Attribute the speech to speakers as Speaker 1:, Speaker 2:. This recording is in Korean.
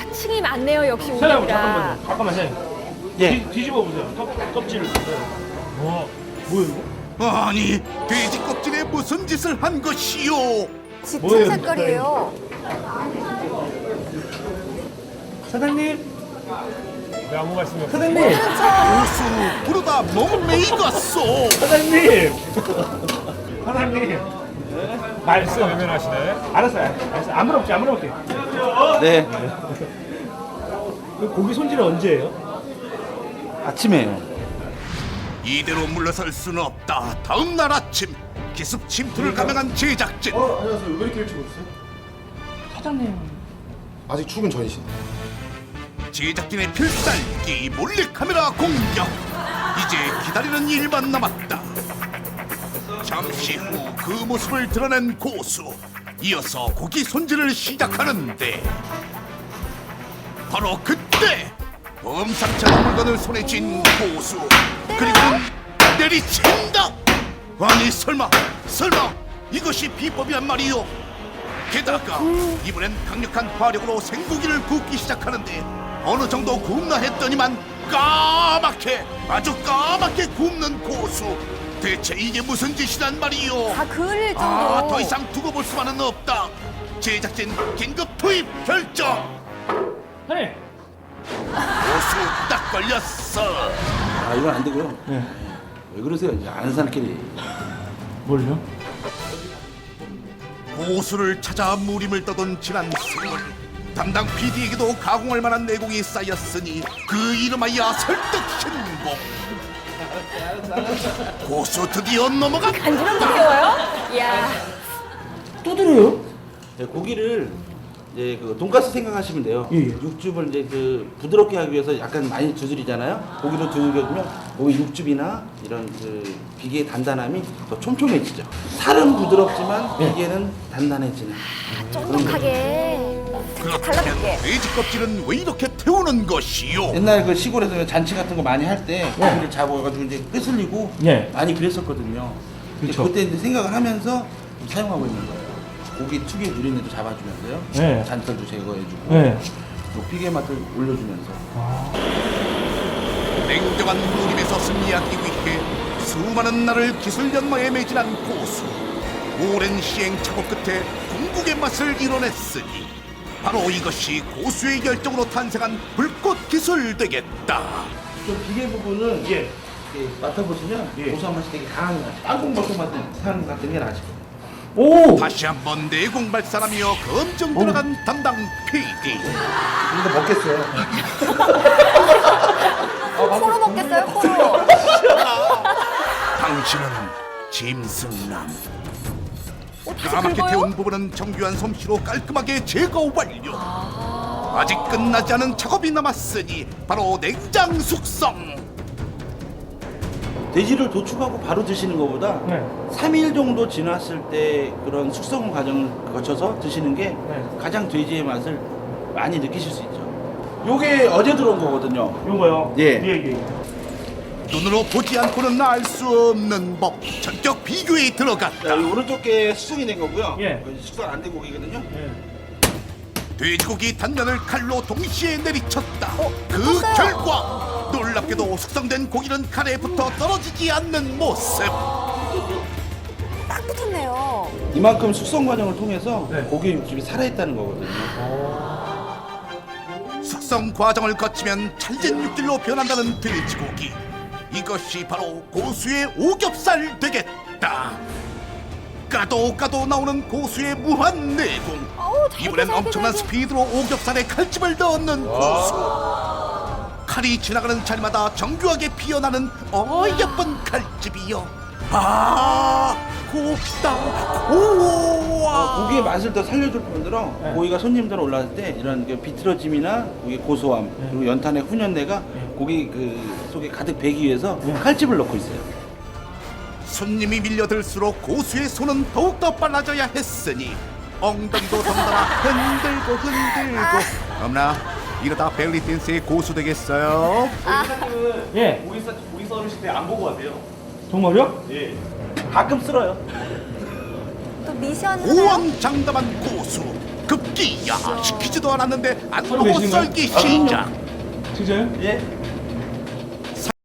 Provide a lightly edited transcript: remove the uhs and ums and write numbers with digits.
Speaker 1: 층이 많네요, 역시
Speaker 2: 사장님
Speaker 1: 우리가.
Speaker 2: 잠깐만 사장님.
Speaker 3: 예.
Speaker 2: 뒤집어 보세요. 껍질을 보세요. 와, 뭐야 이거?
Speaker 4: 아니 돼지 껍질에 무슨 짓을 한 것이요?
Speaker 1: 짙은 색깔이에요.
Speaker 2: 사장님. 왜 아무 말씀이 없어요? 사장님.
Speaker 4: 고수 부르다 몸매 익었소.
Speaker 2: 사장님. 사장님. 말씀 외면하시네. 알았어요. 안 물어볼게, 안 물어볼게.
Speaker 3: 네.
Speaker 2: 그 고기 손질은 언제예요?
Speaker 3: 아침에요.
Speaker 4: 이대로 물러설 수는 없다. 다음 날 아침 기습 침투를 감행한 제작진.
Speaker 5: 안녕하세요. 왜 이렇게 일찍 오셨어요?
Speaker 2: 사장님.
Speaker 5: 아직 출근 전이신.
Speaker 4: 제작진의 필살기 몰래카메라 공격. 이제 기다리는 일만 남았다. 잠시 후 그 모습을 드러낸 고수. 이어서 고기 손질을 시작하는데 바로 그때 범상찮은 물건을 손에 쥔 고수. 그리고는 내리친다. 아니 설마 이것이 비법이란 말이요? 게다가 이번엔 강력한 화력으로 생고기를 굽기 시작하는데 어느 정도 굽나 했더니만 까맣게 아주 까맣게 굽는 고수. 대체 이게 무슨 짓이란 말이요?
Speaker 1: 다 그을릴 정도로.
Speaker 4: 더 이상 두고 볼 수만은 없다. 제작진 긴급 투입 결정.
Speaker 2: 네.
Speaker 4: 고수 딱 걸렸어.
Speaker 3: 아, 이건 안 되고요. 왜 그러세요? 이제 아는 사람끼리.
Speaker 2: 뭘요?
Speaker 4: 고수를 찾아 무림을 떠던 지난 세월. 담당 PD에게도 가공할 만한 내공이 쌓였으니 그 이름하여 설득 신공. 고수 드디어 넘어가.
Speaker 1: 간지럼 느껴요? 이야.
Speaker 2: 또 들어요?
Speaker 3: 네, 고기를 이제 그 돈가스 생각하시면 돼요.
Speaker 2: 예, 예.
Speaker 3: 육즙을 이제 그 부드럽게 하기 위해서 약간 많이 두드리잖아요. 고기로 두들겨주면 고기 육즙이나 이런 그 비계의 단단함이 더 촘촘해지죠. 살은 부드럽지만 비계는 단단해지는.
Speaker 1: 쫀득하게.
Speaker 4: 그렇다면
Speaker 1: 달라붙게.
Speaker 4: 돼지 껍질은 왜 이렇게 태우는 것이요?
Speaker 3: 옛날 그 시골에서 잔치 같은 거 많이 할 때 고기를 잡아가지고 이제 끄슬리고
Speaker 2: 예.
Speaker 3: 많이 그랬었거든요. 근데
Speaker 2: 그쵸.
Speaker 3: 그때 이제 생각을 하면서 좀 사용하고 있는 거예요. 고기 특유의 누린내도 잡아주면서요.
Speaker 2: 예.
Speaker 3: 잔털도 제거해주고
Speaker 2: 네.
Speaker 3: 또 비계 맛을 올려주면서.
Speaker 4: 냉정한 무림에서 승리하기 위해 수많은 날을 기술 연마에 매진한 고수. 오랜 시행착오 끝에 궁극의 맛을 이뤄냈으니 바로 이것이 고수의 열정으로 탄생한 불꽃 기술 되겠다.
Speaker 3: 저 비계 부분은
Speaker 2: 예.
Speaker 3: 이렇게 맡아보시면
Speaker 2: 예.
Speaker 3: 고소한 맛이 되게 강한 것 같아요. 땅콩버섯 같은 게 나죠.
Speaker 2: 오.
Speaker 4: 다시 한번 내공 발산하며 검증 들어간 담당 PD.
Speaker 3: 이거 먹겠어요.
Speaker 1: 코로 먹겠어요, 코로.
Speaker 4: 당신은 짐승남.
Speaker 1: 어떻게
Speaker 4: 까맣게
Speaker 1: 긁어요?
Speaker 4: 태운 부분은 정교한 솜씨로 깔끔하게 제거 완료. 아직 끝나지 않은 작업이 남았으니 바로 냉장 숙성.
Speaker 3: 돼지를 도축하고 바로 드시는 것보다
Speaker 2: 네.
Speaker 3: 3일 정도 지났을 때 그런 숙성 과정을 거쳐서 드시는 게
Speaker 2: 네.
Speaker 3: 가장 돼지의 맛을 많이 느끼실 수 있죠. 요게 어제 들어온 거거든요.
Speaker 2: 요거요?
Speaker 3: 예.
Speaker 2: 예.
Speaker 4: 눈으로 보지 않고는 알 수 없는 법. 전격 비교에 들어갔다.
Speaker 3: 자, 이 오른쪽 게 숙성이 된 거고요.
Speaker 2: 예.
Speaker 3: 숙성 안 된 고기거든요.
Speaker 2: 예.
Speaker 4: 돼지고기 단면을 칼로 동시에 내리쳤다. 그
Speaker 1: 붙었어요.
Speaker 4: 결과 놀랍게도 숙성된 고기는 칼에 붙어 떨어지지 않는 모습.
Speaker 1: 딱 붙었네요.
Speaker 3: 이만큼 숙성 과정을 통해서
Speaker 2: 네.
Speaker 3: 고기의 육즙이 살아있다는 거거든요.
Speaker 4: 숙성 과정을 거치면 찰진 육질로 변한다는 돼지고기. 이것이 바로 고수의 오겹살 되겠다. 까도 나오는 고수의 무한 내공.
Speaker 1: 어우, 잘
Speaker 4: 이번엔
Speaker 1: 돼, 잘 돼,
Speaker 4: 엄청난
Speaker 1: 잘 돼.
Speaker 4: 스피드로 오겹살에 칼집을 넣는 고수. 칼이 지나가는 자리마다 정교하게 피어나는 예쁜 칼집이요. 곱다. 우와.
Speaker 3: 고기의 맛을 더 살려줄 뿐더러 고기가 손님들 올라왔을 때 이런 그 비틀어짐이나 고기의 고소함 그리고 연탄의 훈연내가 고기 그 속에 가득 배기 위해서 칼집을 넣고 있어요.
Speaker 4: 손님이 밀려들수록 고수의 손은 더욱더 빨라져야 했으니 엉덩이도 덩달아 흔들고 엄나 이러다 벨리 댄스의 고수 되겠어요?
Speaker 2: 예.
Speaker 6: 고기 썰으실 때 안 보고 하세요.
Speaker 2: 정말요?
Speaker 6: 예.
Speaker 3: 가끔 쓸어요.
Speaker 1: 또 미션 하나요?
Speaker 4: 고왕장담한 고수 급기야 시키지도 않았는데 안
Speaker 2: 서로
Speaker 4: 보고
Speaker 2: 계시는 거예요?
Speaker 4: 썰기 시작.
Speaker 2: 진짜요?
Speaker 6: 예?